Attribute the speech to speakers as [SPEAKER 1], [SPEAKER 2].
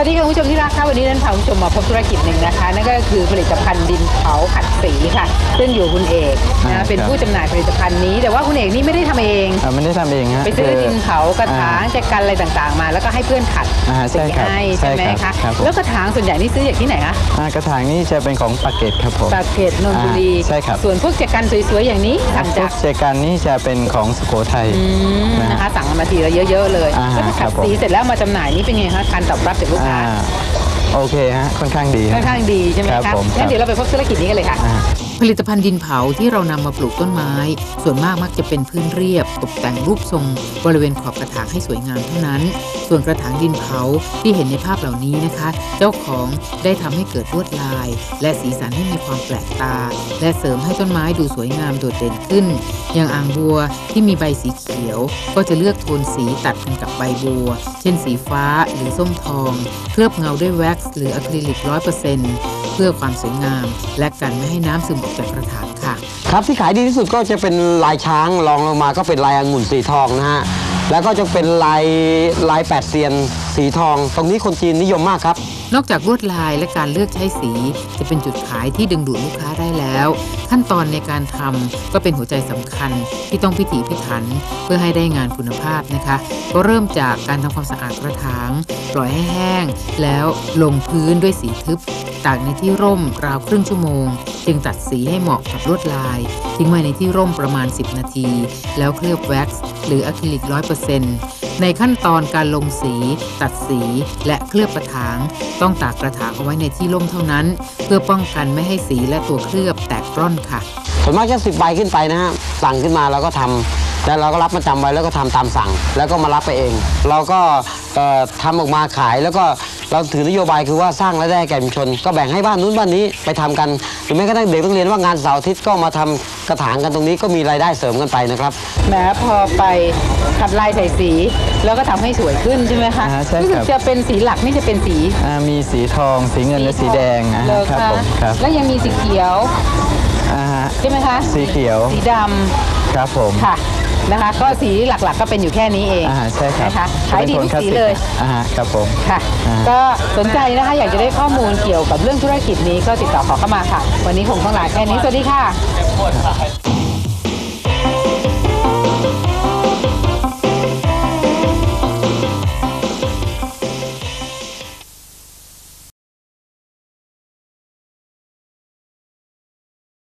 [SPEAKER 1] วัสดีค่ะคุณผู้ชมที่รักค่ะวันนี้ท่านพาคุณผู้ชมมาพบธุรกิจหนึ่งนะคะนั่นก็คือผลิตภัณฑ์ดินเผาขัดสีค่ะซึ่งอยู่คุณเอกนะเป็นผู้จำหน่ายผลิตภัณฑ์นี้แต่ว่าคุณเอกนี่ไม่ได้ทำเอง
[SPEAKER 2] ไม่ได้ทำเองฮะ
[SPEAKER 1] ไปซื้อดินเผากระถางแจกันอะไรต่างๆมาแล้วก็ให้เพื่อนขัดสีให้ใช่ไหมคะแล้วกระถางส่วนใหญ่นี่ซื้อจากที่ไหนคะ
[SPEAKER 2] กระถางนี่จะเป็นของปากเกร็ดครับผม
[SPEAKER 1] ปากเกร็ดนนทบุรี
[SPEAKER 2] ใช่ครับ
[SPEAKER 1] ส่วนพวกแจกันสวยๆอย่างนี้สั่งจาก
[SPEAKER 2] แจกันนี่จะเป็นของสุโขทัย
[SPEAKER 1] นะคะสั่งมาทีละเยอะๆเลยแล้วขัดสีเสร็จแล้วมาจำหน่ายนี่เป็นไงคะการตอบรับจากลูกค้า
[SPEAKER 2] โอเคฮะค่อนข้างดี
[SPEAKER 1] ใช่ไหมคะงั้นเดี๋ยวเราไปพบธุรกิจนี้กันเลยค่ะ
[SPEAKER 3] ผลิตภัณฑ์ดินเผาที่เรานำมาปลูกต้นไม้ส่วนมากมักจะเป็นพื้นเรียบตกแต่งรูปทรงบริเวณขอบกระถางให้สวยงามเท่านั้นส่วนกระถางดินเผาที่เห็นในภาพเหล่านี้นะคะเจ้าของได้ทำให้เกิดลวดลายและสีสันให้มีความแปลกตาและเสริมให้ต้นไม้ดูสวยงามโดดเด่นขึ้นอย่างอ่างบัวที่มีใบสีเขียวก็จะเลือกโทนสีตัดกันกับใบบัวเช่นสีฟ้าหรือส้มทองเคลือบเงาด้วยแว็กซ์หรืออะคริลิก 100%เพื่อความสวยงามและกันไม่ให้น้ำซึมออกจากกระถางค่ะ
[SPEAKER 4] ครับที่ขายดีที่สุดก็จะเป็นลายช้างรองลงมาก็เป็นลายองุ่นสีทองนะฮะแล้วก็จะเป็นลายแปดเซียนสีทองตรงนี้คนจีนนิยมมากครับ
[SPEAKER 3] นอกจากลวดลายและการเลือกใช้สีจะเป็นจุดขายที่ดึงดูดลูกค้าได้แล้วขั้นตอนในการทำก็เป็นหัวใจสำคัญที่ต้องพิถีพิถันเพื่อให้ได้งานคุณภาพนะคะก็เริ่มจากการทำความสะอาดกระถางปล่อยให้แห้งแล้วลงพื้นด้วยสีทึบตากในที่ร่มราวครึ่งชั่วโมงจึงตัดสีให้เหมาะกับลวดลายทิ้งไว้ในที่ร่มประมาณ10นาทีแล้วเคลือบแว็กซ์หรืออะคริลิก 100%ในขั้นตอนการลงสีตัดสีและเคลือบกระถางต้องตากกระถางเอาไว้ในที่ร่มเท่านั้นเพื่อป้องกันไม่ให้สีและตัวเคลือบแตกร่อนค่ะ
[SPEAKER 4] ส่วนมากจะ10 ใบขึ้นไปนะฮะสั่งขึ้นมาเราก็ทำแล้วเราก็รับมาจำไว้แล้วก็ทำตามสั่งแล้วก็มารับไปเองเราก็ทำออกมาขายแล้วก็เราถือนโยบายคือว่าสร้างรายได้แก่ชุมชนก็แบ่งให้บ้านนู้นบ้านนี้ไปทำกันหรือแม้กระทั่งเด็กต้องเรียนว่างานเสาร์อาทิตย์ก็มาทำกระถางกันตรงนี้ก็มีรายได้เสริมกันไปนะครับ
[SPEAKER 1] แม้พอไปขัดลายใส่สีแล้วก็ทำให้สวยขึ้นใช่ไหมคะ
[SPEAKER 2] ใช่ครับ
[SPEAKER 1] จะเป็นสีหลักนี่จะเป็นสี
[SPEAKER 2] มีสีทองสีเงินและสีแดง
[SPEAKER 1] ครับผมครับแล้วยังมีสีเขียวใช่ไหมคะ
[SPEAKER 2] สีเขียว
[SPEAKER 1] สีดำ
[SPEAKER 2] ครับผม
[SPEAKER 1] ค่ะนะคะก็สีหลักๆก็เป็นอยู่แค่นี้เอง
[SPEAKER 2] ใช่ครับ
[SPEAKER 1] นะคะขายดีทุกสีเลย
[SPEAKER 2] ครับผม
[SPEAKER 1] ค่ะก็สนใจนะคะอยากจะได้ข้อมูลเกี่ยวกับเรื่องธุรกิจนี้ก็ติดต่อขอเข้ามาค่ะวันนี้คงต้องลาแค่นี้สวัสดีค่ะ